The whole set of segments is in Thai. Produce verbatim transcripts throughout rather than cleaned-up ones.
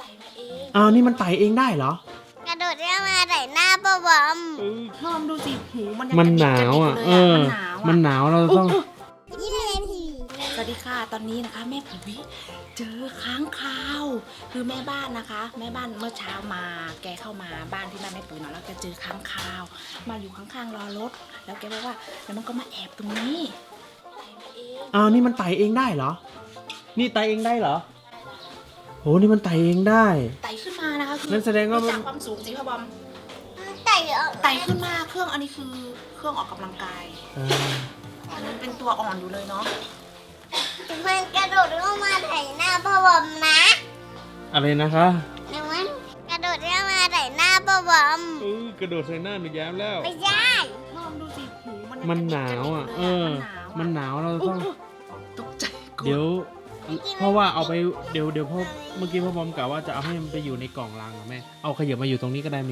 อ้าวนี่มันไต่เองได้เหรอกระโดดเรียกมาใส่หน้าป้าบอมพอมดูสิหูมันยังมันหนาวอ่ะกรดิกเออมันหนาวมันอ่ะหนาวเราต้องยี่สิบนาทีสวัสดีค่ะตอนนี้นะคะแม่ปุ๋ยเจอค้างคาวคือแม่บ้านนะคะ แม่บ้านเมื่อเช้ามาแกเข้ามาบ้านที่บ้านแม่ปุ๋ยเนาะแล้วแกเจอค้างคาว มาอยู่ข้างๆรอรถแล้วแกบอกว่าแล้วมันก็มาแอบตรงนี้อ้าวนี่มันไต่เองได้เหรอ นี่ไต่เองได้เหรอโหนี่มันไต่เองได้ไต่ขึ้นมานะคะคือนั่นแสดงว่ามันจากความสูงสิพ่อบอมไต่ออกไต่ขึ้นมาเครื่องอันนี้คือเครื่องออกกำลังกายอ่ามันเป็นตัวอ่อนอยู่เลยเนาะมันกระโดดเรียกมาใส่หน้าป้าบอมนะอะไรนะคะเดี๋ยวมันกระโดดเรียกมาใส่หน้าป้าบอมเออกระโดดใส่หน้าหนูแย้มแล้วไม่ใช่พอมดูสิหูมันยังมันหนาวอ่ะ เออ มันหนาวเราต้องตกใจกลัวเดี๋ยว เพราะว่าเอาไปเดี๋ยวเดี๋ยวพ่อเมื่อกี้พ่อบอมกล่าวว่าจะเอาให้มันไปอยู่ในกล่องลังเหรอแม่เอาขยับมาอยู่ตรงนี้ก็ได้มิ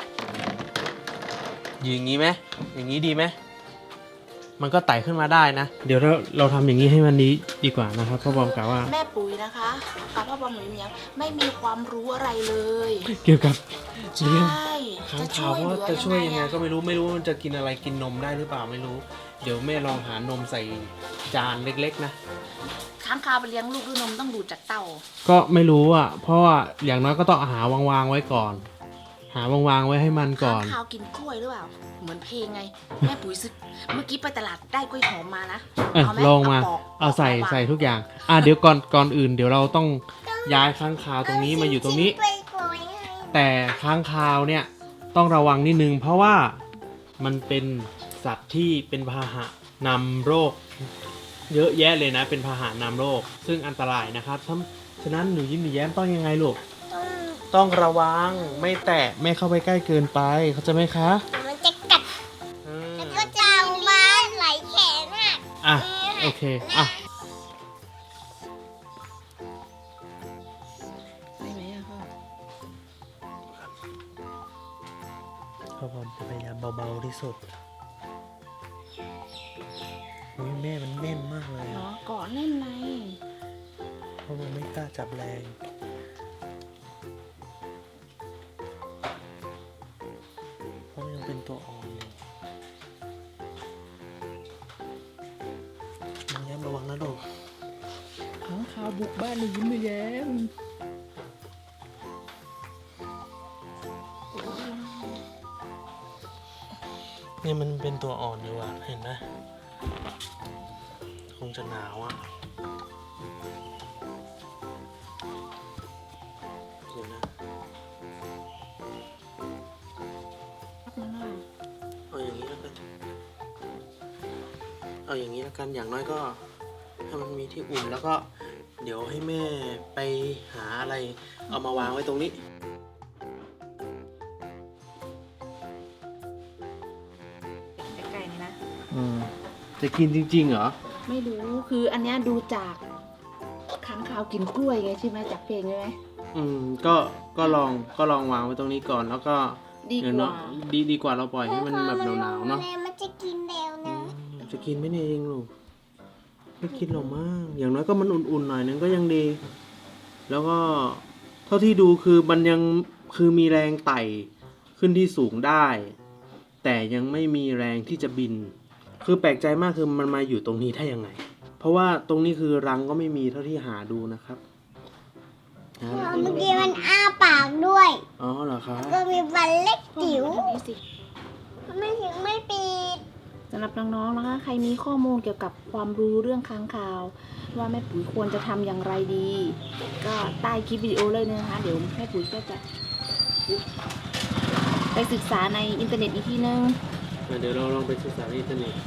อย่างนี้ไหมอย่างนี้ดีไหมมันก็ไต่ขึ้นมาได้นะ เดี๋ยวเราเราทำอย่างนี้ให้มันนี้ดีกว่านะครับพ่อบอมกล่าวว่าแม่ปุ๋ยนะคะกับพ่อบอมหนูเมียงไม่มีความรู้อะไรเลยเกี่ยวกับใช่เลี้ยงค้างคาวเหลืว่าอจะช่วยยังไงอะก็ไม่รู้ไม่รู้ว่ามันจะกินอะไรกินนมได้หรือเปล่าไม่รู้ เดี๋ยวแม่ลองหานมใส่จานเล็กๆนะค้างคาวไปเลี้ยงลูกด้วยนมต้องดูดจากเต้าก็ไม่รู้อ่ะ เพราะว่าอย่างน้อยก็ต้องหาวางๆไว้ก่อน หาวางๆไว้ให้มันก่ค้าอง นคาวกินกล้วยหรือเปล่าเหมือนเพลงไงแม่ปุ๋ยซื้อเมื่อกี้ไปตลาดได้กล้วยหอมมานะเออเอาไหมลองมาเอาปอกเอาใส่เอาวางใส่ทุกอย่าง อ่ะเดี๋ยวก่อนก่อนอื่น เดี๋ยวเราต้องย้ายค้างคาวตรงนี้มาอยู่ตรงนี้ไปโกยให้แต่ค้างคาวเนี่ยต้องระวังนิดนึง เพราะว่ามันเป็นสัตว์ที่เป็นพาหะนำโรค เยอะแยะเลยนะ เป็นพาหะนำโรค ซึ่งอันตรายนะครับฉะนั้นฉะนั้นหนูยิ้มหนูแย้มต้องยังไงลูกต้องต้องระวังไม่แตะไม่เข้าไปใกล้เกินไปเขาใจะไหมคะมันจะกัดอืมแล้วก็จะเอามาไหลแขนอ่ะอ่ะโอเคอ่ะได้ไหมอะพ่อพ่อผมจะพยายามเบาๆที่สุดอุ้ยแม่มันแน่นมากเลยเนาะอะเกาะแน่นในพ่อผมไม่กล้าจับแรงเพราะมันยังเป็นตัวอ่อนอยู่น้องแย้มระวังนะลูกค้างคาวบุกบ้านหนูยิ้มหนูแย้มเนี่ยมันเป็นตัวอ่อนอยู่อ่ะเห็นไหมคงจะหนาวอ่ะเดี๋ยวนะเอาอย่างนี้แล้วกันเอาอย่างนี้แล้วกันอย่างน้อยก็ให้มันมีที่อุ่นแล้วก็เดี๋ยวให้แม่ไปหาอะไรเอามาวางไว้ตรงนี้ใกล้ๆนี่นะอืมจะกินจริงๆเหรอไม่รู้คืออันเนี้ยดูจากค้างคาวกินกล้วยไงใช่ไหมจากเพลงใช่ไหมอืมก็ก็ลองก็ลองวางไว้ตรงนี้ก่อนแล้วก็ดีเดี๋ยวกเนาะว่าดีดีกว่าเราปล่อยให้มันแบบหนาวๆเนาะมันจะกินแล้วอืนะมจะกินไหมเนี่ยเองลูกไม่คิดหรอกมั้งอย่างน้อยก็มันอุ่นๆหน่อยนึงก็ยังดี แล้วก็เท่าที่ดูคือมันยังคือมีแรงไต่ขึ้นที่สูงได้ แต่ยังไม่มีแรงที่จะบิน คือแปลกใจมากคือมันมาอยู่ตรงนี้ได้ยังไง เพราะว่าตรงนี้คือรังก็ไม่มีเท่าที่หาดูนะครับหาดูเมื่อกี้มันอ้าปากด้วยอ๋อเหรอคะก็มีฟันเล็กจิ๋วอันนี้สิไม่ถึงไม่ปิดสำหรับน้องๆนะคะ ใครมีข้อมูลเกี่ยวกับความรู้เรื่องค้างคาว ว่าแม่ปุ๋ยควรจะทำอย่างไรดี ก็ใต้คลิปวิดีโอเลยนะคะ เดี๋ยวแม่ปุ๋ยก็จะไปศึกษาในอินเทอร์เน็ตอีกทีนึงเดี๋ยวเราลองไปศึกษาในอินเทอร์เน็ต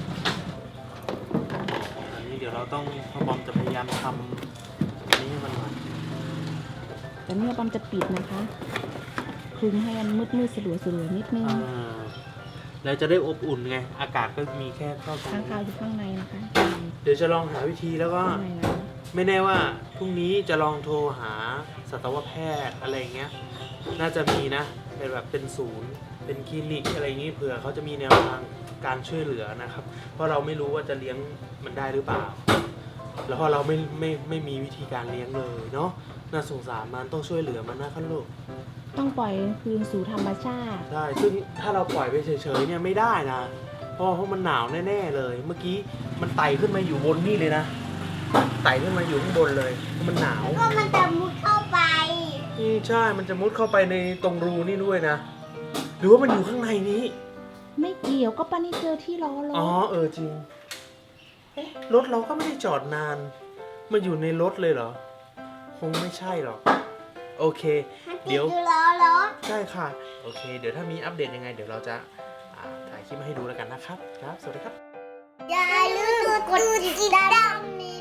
อันนี้เดี๋ยวเราต้องพ่อบอมจะพยายามทำอันนี้ให้มันหน่อยแต่เนี่ยปอมจะปิดนะคะคลุมให้มันมืดๆสลัวๆนิดนึงอ่าแล้วจะได้อบอุ่นไง อากาศก็มีแค่เข้าตรงค้างนี้คาวอยู่ข้างในนะคะเดี๋ยวจะลองหาวิธีแล้วก็ข้างในนะไม่แน่ว่าพรุ่งนี้จะลองโทรหาสัตวแพทย์อะไรเงี้ย น่าจะมีนะเป็นแบบเป็นศูนย์ เป็นคลินิกอะไรอย่างงี้เผื่อเขาจะมีแนวทางการช่วยเหลือนะครับ เพราะเราไม่รู้ว่าจะเลี้ยงมันได้หรือเปล่า แล้วพอเราไม่ไม่ไม่มีวิธีการเลี้ยงเลยเนาะน่าสงสารมันต้องช่วยเหลือมันนะครับลูกต้องปล่อยคืนสู่ธรรมชาติใช่ซึ่งถ้าเราปล่อยไปเฉยๆเนี่ยไม่ได้นะเพราะเพราะมันหนาวแน่ๆเลย เมื่อกี้มันไต่ขึ้นมาอยู่บนนี่เลยนะไต่ขึ้นมาอยู่ข้างบนเลยเพราะมันหนาวก็มันจะมุดเข้าไปอืมใช่มันจะมุดเข้าไปในตรงรูนี่ด้วยนะหรือว่ามันอยู่ข้างในนี้ไม่เกี่ยวก็ป้านี่เจอที่ล้อรถอ๋อเออจริงเอ๊ะรถเราก็ไม่ได้จอดนานมาอยู่ในรถเลยเหรอคงไม่ใช่หรอกโอเคมันติดเดี๋ยวอยู่ล้อรถใช่ค่ะ โอเค เดี๋ยวถ้ามีอัปเดตยังไง เดี๋ยวเราจะอ่าถ่ายคลิปมาให้ดูแล้วกันนะครับ ครับ สวัสดีครับอย่าลืมกดติดตามนี้